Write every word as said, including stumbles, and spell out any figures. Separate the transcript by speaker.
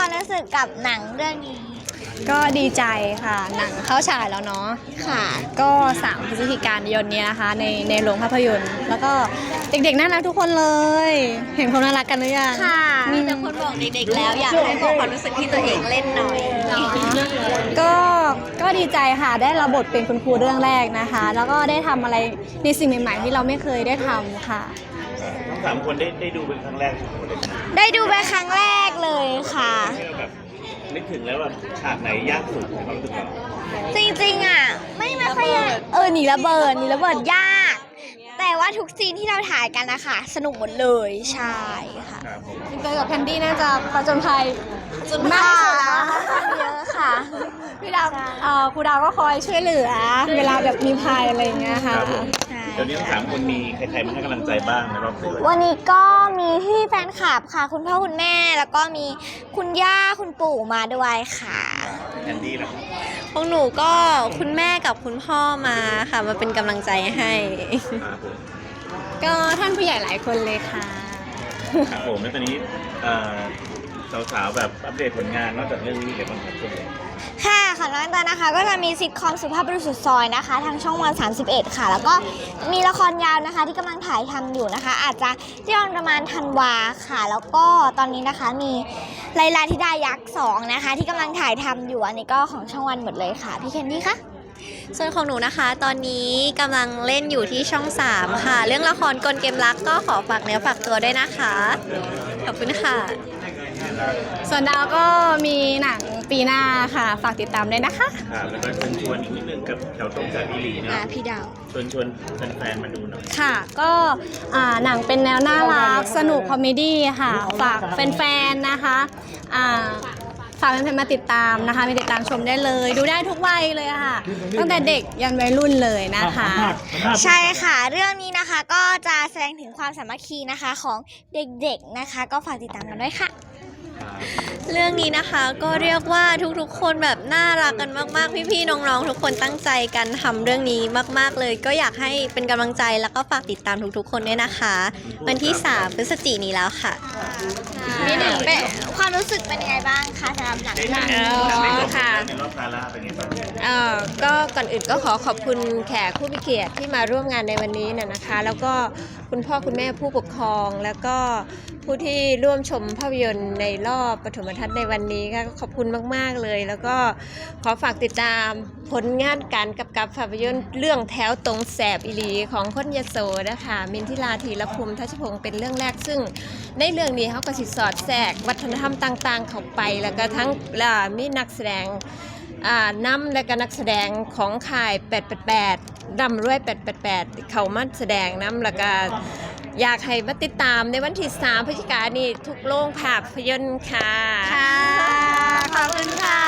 Speaker 1: ความรู้สึกกับหนังเรื่องนี้
Speaker 2: ก็ดีใจค่ะหนังเข้าฉายแล้วเนาะ
Speaker 1: ค่ะ
Speaker 2: ก็สามพฤศจิกายนนี้นะคะในในโรงภาพยนตร์แล้วก็เด็กๆน่ารักทุกคนเลยเห็นความน่ารักกันหรือยัง
Speaker 1: ค่ะ
Speaker 3: มีแต่คนบอกเด็กๆแล้วอยากให้บอกความรู้สึกที่ตัวเองเล่นหน่อย
Speaker 2: ก็ก็ดีใจค่ะได้รับบทเป็นคุณครูเรื่องแรกนะคะ แล้วก็ได้ทำอะไรในสิ่งใหม่ๆที่เราไม่เคยได้ทำค่ะ
Speaker 4: ทั้งสามคนได้ได้ดูเป็นครั้งแรกทุกคนเลย
Speaker 1: ได้ดูเป็นครั้งแรกเลยค่ะ
Speaker 4: แบบนึกถึงแล้วแบบฉากไหนยากสุดในความรู้สึกเรา
Speaker 1: จริงๆอ่ะไม่ไม่ค่อยยากเออหนีระเบิดหนีระเบิดยากแต่ว่าทุกซีนที่เราถ่ายกันนะคะสนุกหมดเลยใช่ค่ะ
Speaker 2: พี่เตยกับแคนดี้น่าจะผจญภัย
Speaker 1: จนมากเยอะค่ะ
Speaker 2: พี่ดาวเอ่อครูดาวก็คอยช่วยเหลือเวลาแบบมีภัยอะไรอย่างเงี้ยค่ะ
Speaker 4: ตอนนี้ทั้งสามคนมีใครๆมาให้กำลังใจบ้างในรอบสื่อ
Speaker 1: วันนี้ก็มีพี่แฟนคลับค่ะคุณพ่อคุณแม่แล้วก็มีคุณย่าคุณปู่มาด้วยค่ะ
Speaker 4: แคนดี้นะ
Speaker 3: พวกหนูก็คุณแม่กับคุณพ่อมาค่ะมาเป็นกำลังใจให้
Speaker 2: ก็ท่านผู้ใหญ่หลายคนเลยค่ะ
Speaker 4: ครับผมแล้วตอนนี้สาวๆแบบอัปเดตผลงานนอกจากเรื่องนี้มีอะไรบ้างครับช่วงนี้
Speaker 1: ค่ะของน้องตานะคะก็จะมีซิทคอมสุภาพบุรุษสุดซอยนะคะทางช่องวันสามสิบเอ็ดค่ะแล้วก็มีละครยาวนะคะที่กำลังถ่ายทำอยู่นะคะอาจจะที่ออนประมาณธันวาค่ะแล้วก็ตอนนี้นะคะมีไลลาธิดายักษ์สองนะคะที่กำลังถ่ายทำอยู่อันนี้ก็ของช่องวันหมดเลยค่ะพี่เคนดี้คะ
Speaker 3: ส่วนของหนูนะคะตอนนี้กำลังเล่นอยู่ที่ช่องสามค่ะเรื่องละครกลเกมรักก็ขอฝากเนื้อฝากตัวด้วยนะคะขอบคุณค่ะ
Speaker 2: ส่วนดาวก็มีหนังปีหน้าค่ะฝากติดตามด้วยนะคะ
Speaker 4: ค่ะแล้วก็เชิญชวนอีกนิดนึงกับแถวตรงจากอีหลีเนาะ
Speaker 1: พี่ดาว
Speaker 4: เชิญชวนแฟนๆมาดูหน่อย
Speaker 2: ค่ะก็หนังเป็นแนวน่ารักสนุกคอมเมดี้ค่ะฝากแฟนๆนะคะฝากแฟนๆมาติดตามนะคะมาติดตามชมได้เลยดูได้ทุกวัยเลยค่ะตั้งแต่เด็กยันวัยรุ่นเลยนะคะ
Speaker 1: ใช่ค่ะเรื่องนี้นะคะก็จะแสดงถึงความสามัคคีนะคะของเด็กๆนะคะก็ฝากติดตามกันด้วยค่ะ
Speaker 3: เรื่องนี้นะคะก็เรียกว่าทุกๆคนแบบน่ารักกันมากๆพี่ๆน้องๆทุกคนตั้งใจกันทำเรื่องนี้มากๆเลยก็อยากให้เป็นกำลังใจแล้วก็ฝากติดตามทุกๆคนด้วยนะคะวันที่สามพฤศจิกายนนี้แล้วค่ะ
Speaker 1: นี่หนึ่งเป็นความรู้สึกเป็นยังไงบ้างคะสำหรับหนังเรื่องนี้
Speaker 3: ค่ะ
Speaker 4: ในรอบกาล่าเป็นยังไงบ้าง
Speaker 5: เอ่อก็ก่อนอื่นก็ขอขอบคุณแขกผู้มีเกียรติที่มาร่วมงานในวันนี้น่ะนะคะแล้วก็คุณพ่อคุณแม่ผู้ปกครองแล้วก็ผู้ที่ร่วมชมภาพยนตร์ในรอบปฐมทัศน์ในวันนี้ก็ขอบคุณมากๆเลยแล้วก็ขอฝากติดตามผลงานการกำกับภาพยนตร์เรื่องแถวตรงแสบอีหลีของคนยโสนะคะมินทิราธีรภูมิทัชพงศ์เป็นเรื่องแรกซึ่งในเรื่องนี้เขาก็สิสอดแทรกวัฒนธรรมต่างๆเข้าไปแล้วก็ทั้งมีนักแสดงนำและก็นักแสดงของค่ายแปดแปดแปดดำรวยแปดแปดแปดเขามาแสดงนำแล้วก็อยากให้มาติดตามในวันที่สามพฤศจิกายนนี้ทุกโรงภาพยนตร์ค่ะ
Speaker 1: ค่ะขอบคุณค่ะ